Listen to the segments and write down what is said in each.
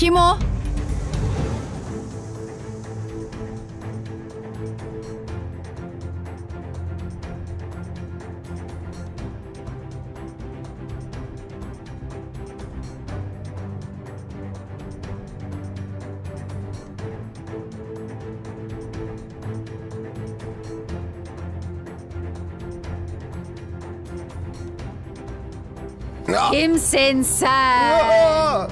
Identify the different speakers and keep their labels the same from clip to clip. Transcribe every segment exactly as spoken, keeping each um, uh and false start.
Speaker 1: Kim o?
Speaker 2: Ah!
Speaker 1: Kimsin sen?
Speaker 2: Ah!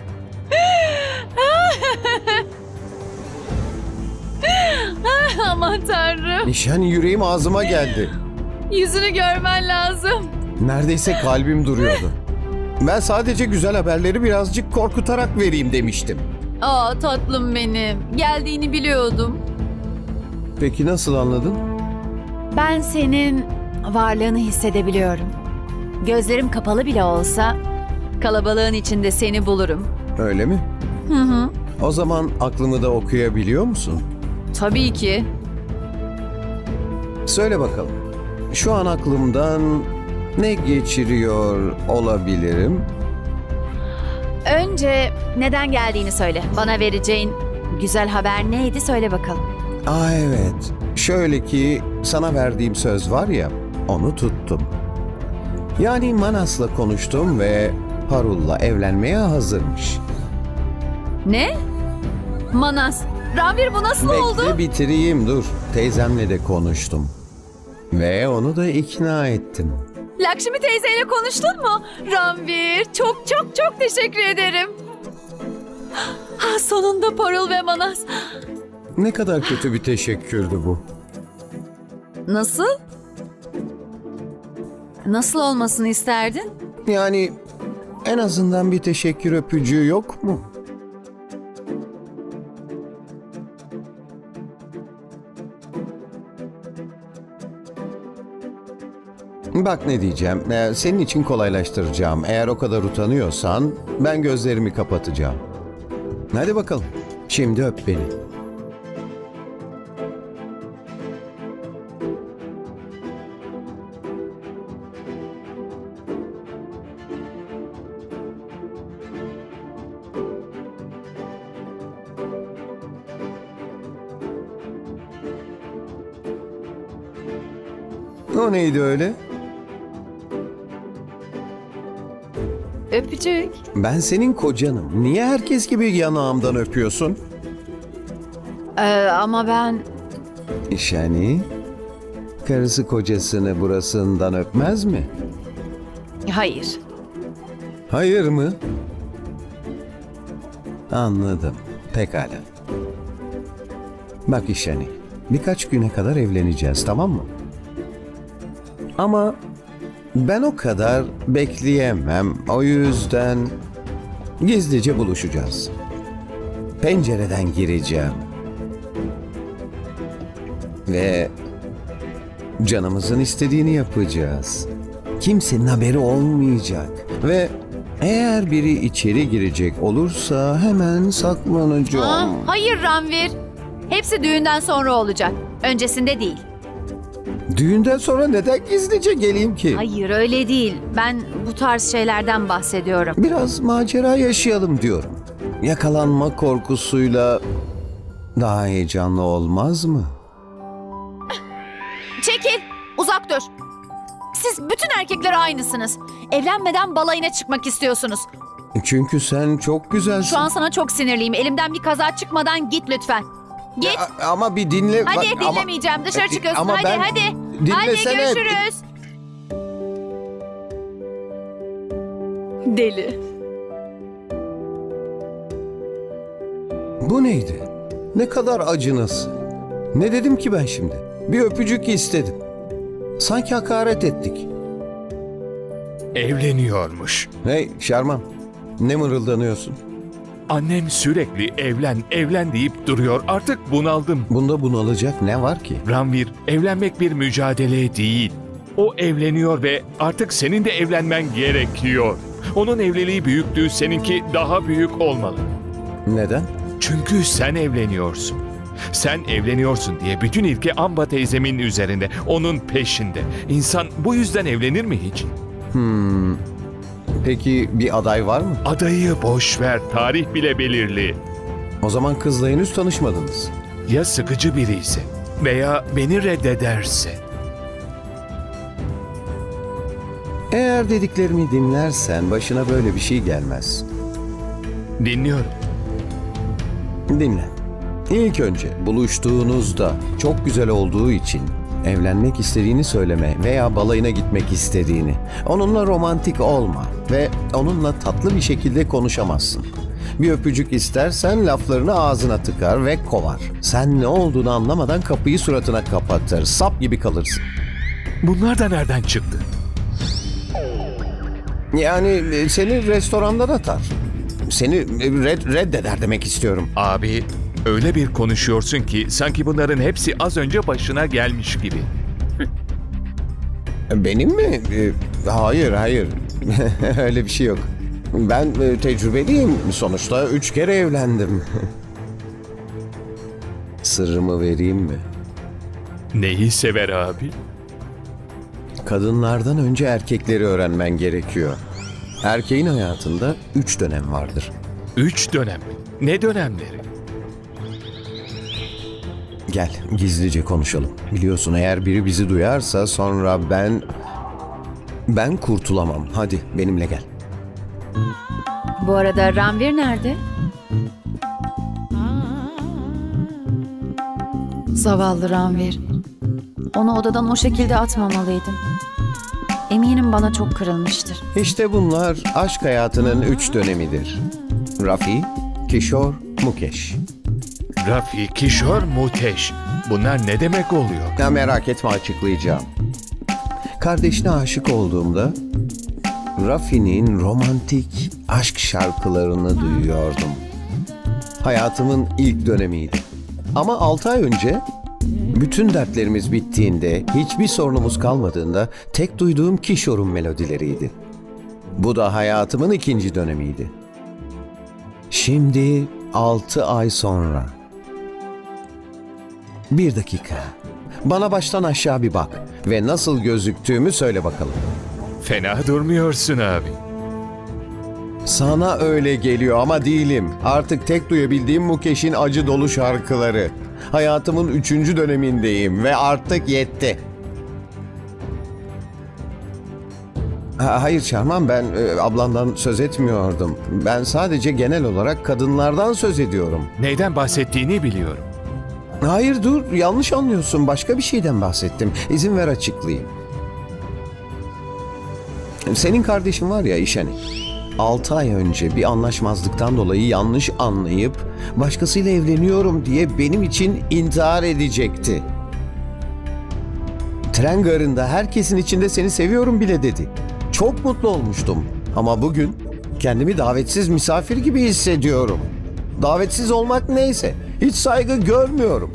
Speaker 1: Aman tanrım.
Speaker 2: Nişan yüreğim ağzıma geldi.
Speaker 1: Yüzünü görmen lazım.
Speaker 2: Neredeyse kalbim duruyordu. Ben sadece güzel haberleri birazcık korkutarak vereyim demiştim.
Speaker 1: Aa tatlım benim. Geldiğini biliyordum.
Speaker 2: Peki nasıl anladın?
Speaker 1: Ben senin varlığını hissedebiliyorum. Gözlerim kapalı bile olsa kalabalığın içinde seni bulurum.
Speaker 2: Öyle mi?
Speaker 1: Hı hı.
Speaker 2: O zaman aklımı da okuyabiliyor musun?
Speaker 1: Tabii ki.
Speaker 2: Söyle bakalım. Şu an aklımdan ne geçiriyor olabilirim?
Speaker 1: Önce neden geldiğini söyle. Bana vereceğin güzel haber neydi söyle bakalım.
Speaker 2: Aa evet. Şöyle ki sana verdiğim söz var ya, onu tuttum. Yani Manas'la konuştum ve Parul'la evlenmeye hazırmış.
Speaker 1: Ne? Manas. Ranvir bu nasıl oldu?
Speaker 2: Bekle bitireyim dur. Teyzemle de konuştum. Ve onu da ikna ettim.
Speaker 1: Lakşmi teyzeyle konuştun mu? Ranvir çok çok çok teşekkür ederim. Ha, sonunda Parul ve Manas.
Speaker 2: Ne kadar kötü bir teşekkürdü bu.
Speaker 1: Nasıl? Nasıl olmasını isterdin?
Speaker 2: Yani en azından bir teşekkür öpücüğü yok mu? Bak ne diyeceğim. Ee, senin için kolaylaştıracağım. Eğer o kadar utanıyorsan ben gözlerimi kapatacağım. Hadi bakalım. Şimdi öp beni. O neydi öyle?
Speaker 1: Öpücük.
Speaker 2: Ben senin kocanım. Niye herkes gibi yanağımdan öpüyorsun?
Speaker 1: Ee, ama ben...
Speaker 2: Yani karısı kocasını burasından öpmez mi?
Speaker 1: Hayır.
Speaker 2: Hayır mı? Anladım. Pekala. Bak İşani, birkaç güne kadar evleneceğiz, tamam mı? Ama ben o kadar bekleyemem. O yüzden gizlice buluşacağız. Pencereden gireceğim. Ve canımızın istediğini yapacağız. Kimsenin haberi olmayacak. Ve eğer biri içeri girecek olursa hemen saklanacağım.
Speaker 1: Aa, hayır Ranvir. Hepsi düğünden sonra olacak. Öncesinde değil.
Speaker 2: Düğünden sonra neden gizlice geleyim ki?
Speaker 1: Hayır öyle değil. Ben bu tarz şeylerden bahsediyorum.
Speaker 2: Biraz macera yaşayalım diyorum. Yakalanma korkusuyla daha heyecanlı olmaz mı?
Speaker 1: Çekil. Uzak dur. Siz bütün erkekler aynısınız. Evlenmeden balayına çıkmak istiyorsunuz.
Speaker 2: Çünkü sen çok güzelsin.
Speaker 1: Şu an sana çok sinirliyim. Elimden bir kaza çıkmadan git lütfen. Git.
Speaker 2: A- ama bir dinle.
Speaker 1: Hadi
Speaker 2: bak- ama-
Speaker 1: dinlemeyeceğim. Dışarı
Speaker 2: E,
Speaker 1: çıkıyorsun.
Speaker 2: ama
Speaker 1: hadi
Speaker 2: ben-
Speaker 1: hadi. Hadi
Speaker 2: Dinlesene.
Speaker 1: görüşürüz. Deli.
Speaker 2: Bu neydi? Ne kadar acınası. Ne dedim ki ben şimdi? Bir öpücük istedim. Sanki hakaret ettik.
Speaker 3: Evleniyormuş.
Speaker 2: Hey Şarman, ne mırıldanıyorsun?
Speaker 3: Annem sürekli evlen, evlen deyip duruyor. Artık bunaldım.
Speaker 2: Bunda bunalacak ne var ki?
Speaker 3: Ranvir, evlenmek bir mücadele değil. O evleniyor ve artık senin de evlenmen gerekiyor. Onun evliliği büyüktü, seninki daha büyük olmalı.
Speaker 2: Neden?
Speaker 3: Çünkü sen evleniyorsun. Sen evleniyorsun diye bütün ilgi Amba teyzemin üzerinde, onun peşinde. İnsan bu yüzden evlenir mi hiç?
Speaker 2: Hmm. Peki bir aday var mı?
Speaker 3: Adayı boş ver, tarih bile belirli.
Speaker 2: O zaman kızla henüz tanışmadınız.
Speaker 3: Ya sıkıcı biri ise veya beni reddederse?
Speaker 2: Eğer dediklerimi dinlersen başına böyle bir şey gelmez.
Speaker 3: Dinliyorum.
Speaker 2: Dinle. İlk önce buluştuğunuzda çok güzel olduğu için evlenmek istediğini söyleme veya balayına gitmek istediğini. Onunla romantik olma ve onunla tatlı bir şekilde konuşamazsın. Bir öpücük istersen laflarını ağzına tıkar ve kovar. Sen ne olduğunu anlamadan kapıyı suratına kapatır. Sap gibi kalırsın.
Speaker 3: Bunlar da nereden çıktı?
Speaker 2: Yani e, seni restorandan atar. Seni e, red, reddeder demek istiyorum.
Speaker 3: Abi, öyle bir konuşuyorsun ki sanki bunların hepsi az önce başına gelmiş gibi.
Speaker 2: Benim mi? E, Hayır, hayır. Öyle bir şey yok. Ben e, tecrübeliyim. Sonuçta üç kere evlendim. Sırrımı vereyim mi?
Speaker 3: Neyi sever abi?
Speaker 2: Kadınlardan önce erkekleri öğrenmen gerekiyor. Erkeğin hayatında üç dönem vardır.
Speaker 3: Üç dönem mi? Ne dönemleri?
Speaker 2: Gel, gizlice konuşalım. Biliyorsun eğer biri bizi duyarsa sonra ben... Ben kurtulamam. Hadi benimle gel.
Speaker 1: Bu arada Ranvir nerede? Zavallı Ranvir. Onu odadan o şekilde atmamalıydım. Eminim bana çok kırılmıştır.
Speaker 2: İşte bunlar aşk hayatının üç dönemidir. Rafi, Kishor, Mukesh.
Speaker 3: Rafi, Kishor, Muteş. Bunlar ne demek oluyor?
Speaker 2: Ya merak etme, açıklayacağım. Kardeşine aşık olduğumda Rafi'nin romantik aşk şarkılarını duyuyordum. Hayatımın ilk dönemiydi. Ama altı ay önce bütün dertlerimiz bittiğinde, hiçbir sorunumuz kalmadığında tek duyduğum Kishor'un melodileriydi. Bu da hayatımın ikinci dönemiydi. Şimdi altı ay sonra. Bir dakika. Bana baştan aşağı bir bak ve nasıl gözüktüğümü söyle bakalım.
Speaker 3: Fena durmuyorsun abi.
Speaker 2: Sana öyle geliyor ama değilim. Artık tek duyabildiğim Mukesh'in acı dolu şarkıları. Hayatımın üçüncü dönemindeyim ve artık yetti. Ha, hayır Şarman, ben e, ablandan söz etmiyordum. Ben sadece genel olarak kadınlardan söz ediyorum.
Speaker 3: Neyden bahsettiğini biliyorum.
Speaker 2: Hayır dur, yanlış anlıyorsun. Başka bir şeyden bahsettim. İzin ver açıklayayım. Senin kardeşin var ya İşani. Altı ay önce bir anlaşmazlıktan dolayı yanlış anlayıp başkasıyla evleniyorum diye benim için intihar edecekti. Tren garında herkesin içinde seni seviyorum bile dedi. Çok mutlu olmuştum. Ama bugün kendimi davetsiz misafir gibi hissediyorum. Davetsiz olmak neyse, hiç saygı görmüyorum.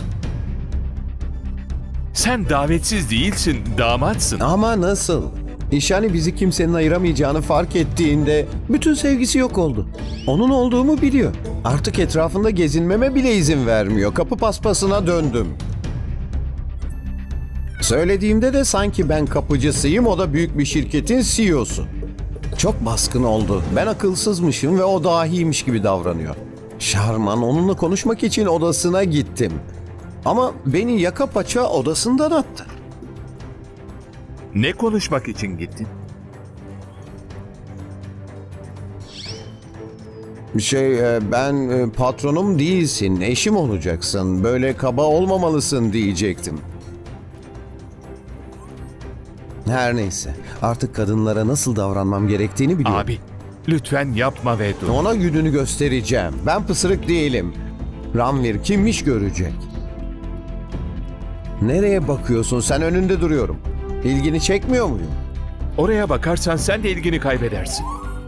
Speaker 3: Sen davetsiz değilsin, damatsın.
Speaker 2: Ama nasıl? İşani bizi kimsenin ayıramayacağını fark ettiğinde bütün sevgisi yok oldu. Onun olduğumu biliyor. Artık etrafında gezinmeme bile izin vermiyor. Kapı paspasına döndüm. Söylediğimde de sanki ben kapıcısıyım, o da büyük bir şirketin C E O'su. Çok baskın oldu. Ben akılsızmışım ve o dahiymiş gibi davranıyor. Şarman, onunla konuşmak için odasına gittim. Ama beni yaka paça odasından attı.
Speaker 3: Ne konuşmak için gittin?
Speaker 2: Şey, e, ben e, patronum değilsin, eşim olacaksın. Böyle kaba olmamalısın diyecektim. Her neyse, artık kadınlara nasıl davranmam gerektiğini biliyorum.
Speaker 3: Abi, lütfen yapma ve dur.
Speaker 2: Ona gününü göstereceğim. Ben pısırık değilim. Ranvir kimmiş görecek. Nereye bakıyorsun? Sen önünde duruyorum. İlgini çekmiyor muyum?
Speaker 3: Oraya bakarsan sen de ilgini kaybedersin.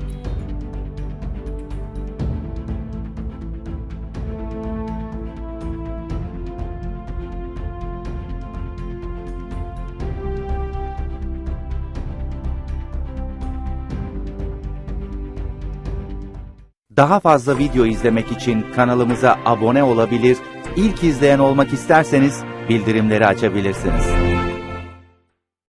Speaker 4: Daha fazla video izlemek için kanalımıza abone olabilir, ilk izleyen olmak isterseniz bildirimleri açabilirsiniz.